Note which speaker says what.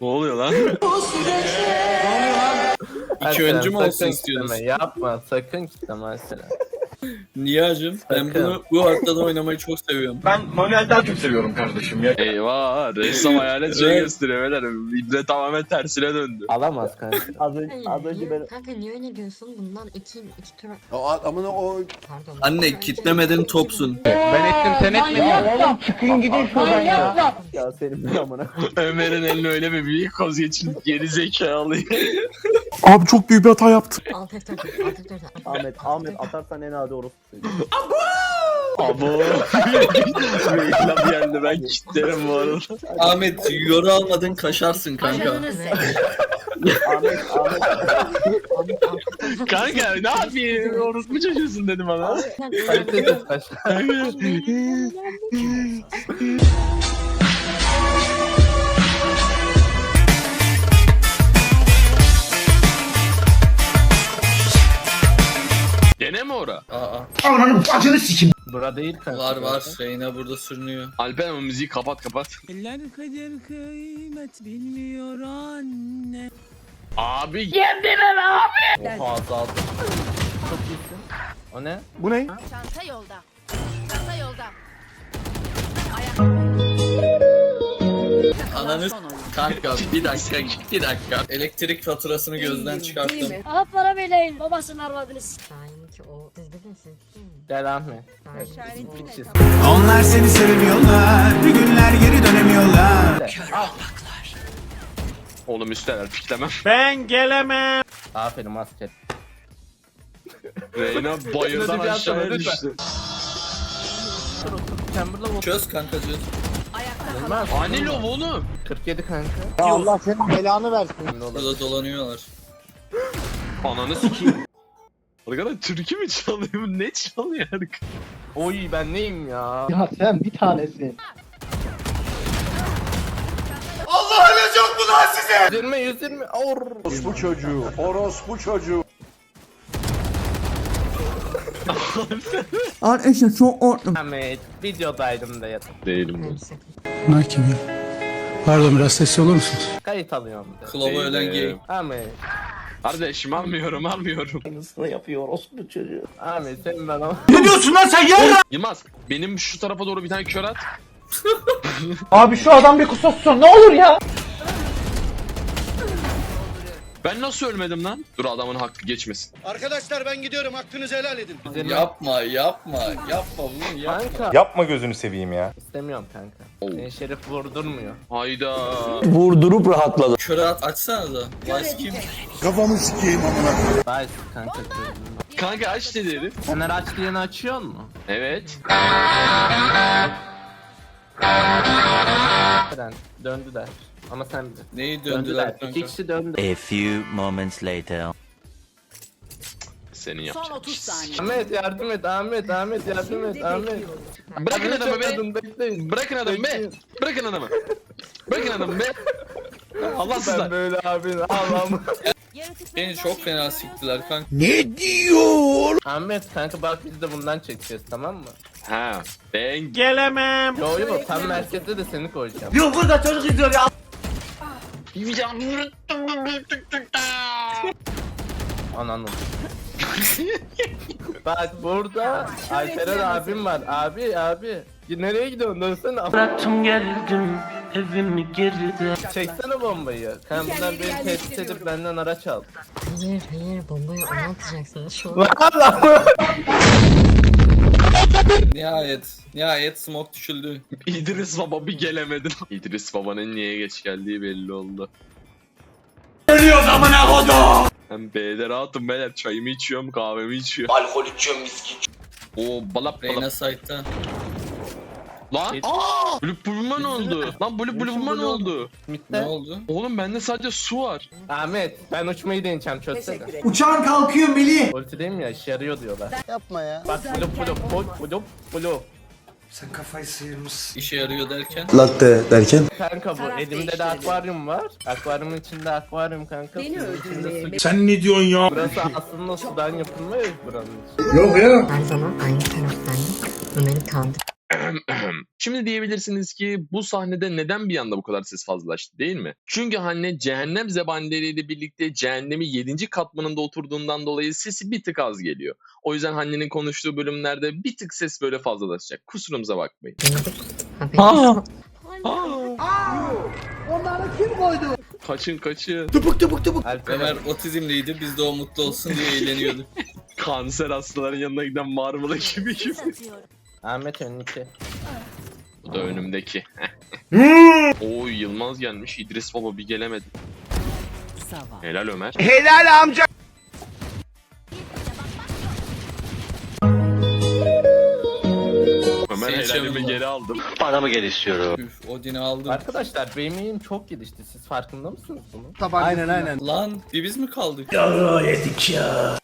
Speaker 1: Ne oluyor lan?
Speaker 2: İki öncü mü olsun
Speaker 3: sakın
Speaker 2: istiyorsunuz?
Speaker 3: kitleme, yapma sakın kitleme mesela.
Speaker 2: Niye hacım? Ben
Speaker 3: Sakın.
Speaker 2: bu haritada oynamayı çok seviyorum.
Speaker 4: Ben manuel daha çok seviyorum kardeşim ya.
Speaker 1: Eyvah, ressam hayalet şey gösteriyor beyler. İbre tamamen tersine döndü.
Speaker 3: Alamaz kanka.
Speaker 5: Az önce ben...
Speaker 6: Kanka niye öyle diyorsun? Bundan iki tur...
Speaker 7: Amına o
Speaker 6: Pardon.
Speaker 2: Anne kitlemedin topsun.
Speaker 3: Ben ettim sen etmedin.
Speaker 5: Oğlum çıkın gidin şuradan ya. Ya senin bir amına.
Speaker 1: Ömer'in eline öyle bir büyük koz geçin geri zekalı.
Speaker 7: Abi çok büyük bir hata yaptım.
Speaker 6: Alt F4 alt F4
Speaker 5: Ahmet atarsan en adi orospu söyleyeyim.
Speaker 1: Abo. Reklam geldi, ben kitlerim bu arada.
Speaker 2: Ahmet yoru almadın kaşarsın kanka.
Speaker 5: Ahmet.
Speaker 1: Kanka ne yapayım? Orospu çocuğusun dedim bana.
Speaker 3: Kalitesiz taş.
Speaker 1: Gene mi ora?
Speaker 3: Bura değil kanka.
Speaker 2: Var. Reyna burada sürünüyor.
Speaker 1: Alper ama müziği kapat.
Speaker 8: Eller kader kıymet bilmiyor anne.
Speaker 1: Abi.
Speaker 3: Oha azaldı. Çok iyisin. O ne?
Speaker 7: Bu ne?
Speaker 9: Çanta yolda. Çanta yolda.
Speaker 2: Ananı kanka bir dakika. Elektrik faturasını gözden çıkarttım.
Speaker 10: Aha para beyleyin babasının arvadını
Speaker 6: Şahin ki o... Siz dedin siz.
Speaker 3: Gel Ahmet.
Speaker 6: Şahin.
Speaker 8: Onlar seni sevmiyorlar. Bir günler geri dönemiyorlar.
Speaker 1: Oğlum üsteler piklemem.
Speaker 3: Aferin maske.
Speaker 1: Reyna bayırdan
Speaker 3: Hadi bir
Speaker 1: aşağıya
Speaker 3: atsana,
Speaker 1: düştü.
Speaker 3: Chamberlain vur.
Speaker 2: Çöz kanka çöz.
Speaker 3: Olmaz.
Speaker 1: Ani lov oğlum.
Speaker 3: 47 kanka.
Speaker 5: Ya Allah senin belanı versin.
Speaker 2: Burada dolanıyorlar.
Speaker 1: Ananı sikeyim. Arkadaşlar türkü mü çalıyor? Bu ne çalıyor?
Speaker 3: Oy ben neyim ya?
Speaker 5: Ya sen bir tanesin.
Speaker 3: 120. Or.
Speaker 7: Orospu çocuğu. Orospu çocuğu.
Speaker 8: Arkadaşlar çok ortam.
Speaker 3: Ahmet videodaydım da yatıp.
Speaker 1: Değilim ben.
Speaker 8: Bunlar kim ya? Pardon biraz sesli olur musunuz?
Speaker 3: Kayıt alıyorum bir de.
Speaker 2: Klova ölen gay.
Speaker 3: Ahmet.
Speaker 1: Kardeşim almıyorum.
Speaker 5: Aynısını yapıyor orospu çocuğu.
Speaker 3: Ahmet sen ben ama.
Speaker 8: Ne diyorsun lan sen ya?
Speaker 1: Yılmaz benim şu tarafa doğru bir tane kör at.
Speaker 5: Abi şu adam bir kusursun ne olur ya.
Speaker 1: Ben nasıl ölmedim lan? Dur adamın hakkı geçmesin.
Speaker 4: Arkadaşlar ben gidiyorum, hakkınızı helal edin.
Speaker 2: Yapma bunu yapma.
Speaker 3: Kanka.
Speaker 7: Yapma gözünü seveyim ya.
Speaker 3: İstemiyorum kanka.
Speaker 1: Oo.
Speaker 3: Seni Şerif vurdurmuyor.
Speaker 1: Hayda.
Speaker 5: Vurdurup rahatladı.
Speaker 2: Köre açsana da. Vice kim?
Speaker 7: Kafamı sikeyim amına.
Speaker 3: Bye kanka.
Speaker 1: Kanka aç dedi herif.
Speaker 3: Fener aç diyeni açıyor mu?
Speaker 1: Evet.
Speaker 3: Neden? Döndüler. Ama sen bir.
Speaker 2: Neyi döndüler kanka?
Speaker 3: İki kişi döndü.
Speaker 11: A few moments later.
Speaker 1: Senin
Speaker 9: Son
Speaker 1: yapacağın.
Speaker 9: 30 saniye.
Speaker 3: Ahmet yardım et Ahmet yardım et Ahmet.
Speaker 1: Bırakın adamı be.
Speaker 3: Bekleyin.
Speaker 1: Bırakın adamı be. Bırakın adamı. Bırakın adamı be.
Speaker 3: Ben
Speaker 1: Allahsızlar.
Speaker 3: böyle abi Allah'ım.
Speaker 2: Beni çok fena siktiler kanka.
Speaker 8: Ne diyor?
Speaker 3: Ahmet kanka bak biz de bundan çekeceğiz tamam mı?
Speaker 1: Ha. Ben
Speaker 8: Gelemem.
Speaker 3: Yo tam merkezde de seni koyacağım.
Speaker 5: Yok burada çocuk izliyor ya.
Speaker 3: Ananı. Bak burada Alperen abim var. Abi. Nereye gidiyorsun? Dönsene.
Speaker 8: Bıraktım geldim evimi geride.
Speaker 3: Çeksene bombayı. Kanka bunlar beni tehdit edip benden araç aldı.
Speaker 6: Hayır bombayı ona atacaksınız şu an.
Speaker 2: Nihayet smoke düşüldü.
Speaker 1: İdris Baba bir gelemedi. İdris Baba'nın niye geç geldiği belli oldu.
Speaker 8: Ölüyoruz amına kodum.
Speaker 1: Ben B'de rahatım beyler. Çayımı içiyorum, kahvemi içiyorum.
Speaker 4: Alkol içiyorum, viski içiyorum.
Speaker 1: Oo balap
Speaker 2: Reyna
Speaker 1: balap.
Speaker 2: site'ta.
Speaker 1: Lan! Blue Blue'uma ne oldu? Lan Blue Blue'uma ne oldu?
Speaker 2: Ne
Speaker 3: Mitte.
Speaker 2: oldu?
Speaker 1: Oğlum bende sadece su var.
Speaker 3: Ahmet ben uçmayı deneyeceğim çözsene.
Speaker 8: Uçağın kalkıyor Melih.
Speaker 3: Ultideyim ya işe yarıyor diyorlar.
Speaker 5: Yapma ya.
Speaker 3: Bak blue.
Speaker 8: Sen kafayı sıyırmışsın.
Speaker 2: İşe yarıyor derken.
Speaker 7: Latte derken?
Speaker 3: Kanka bu elimde de akvaryum var. Akvaryumun içinde akvaryum kanka.
Speaker 9: Beni
Speaker 3: Suyun içinde su.
Speaker 8: Sen ne diyorsun ya?
Speaker 3: Burası aslında sudan yapılma ya buranın içi.
Speaker 6: Her zaman aynı taraftaydım. Ömer'i kaldı.
Speaker 1: Şimdi diyebilirsiniz ki bu sahnede neden bir anda bu kadar ses fazlalaştı değil mi? Çünkü Hanne cehennem zebanileriyle birlikte cehennemin 7. katmanında oturduğundan dolayı sesi bir tık az geliyor. O yüzden Hanne'nin konuştuğu bölümlerde bir tık ses böyle fazlalaşacak. Kusurumuza bakmayın.
Speaker 6: Haberiniz
Speaker 5: Onları kim koydu?
Speaker 1: Kaçın kaçın.
Speaker 3: Alperen.
Speaker 2: Ömer otizmliydi. Biz de o mutlu olsun diye eğleniyorduk.
Speaker 1: Kanser hastaların yanına giden Marmara gibi gibi.
Speaker 9: Satıyorum.
Speaker 3: Ahmet önündeki.
Speaker 1: Bu da önümdeki. Oy Yılmaz gelmiş. İdris Baba bir gelemedi. Helal Ömer.
Speaker 5: Helal amca.
Speaker 1: Ömer
Speaker 2: Seni
Speaker 1: helalimi
Speaker 2: çabuk.
Speaker 1: geri aldım.
Speaker 4: Paramı geri istiyorum.
Speaker 2: Üf, Odin'i aldım.
Speaker 3: Arkadaşlar benim yayım çok gelişti. Siz farkında mısınız bunun?
Speaker 5: Aynen.
Speaker 2: Lan bir biz mi kaldık?
Speaker 5: Yedik ya.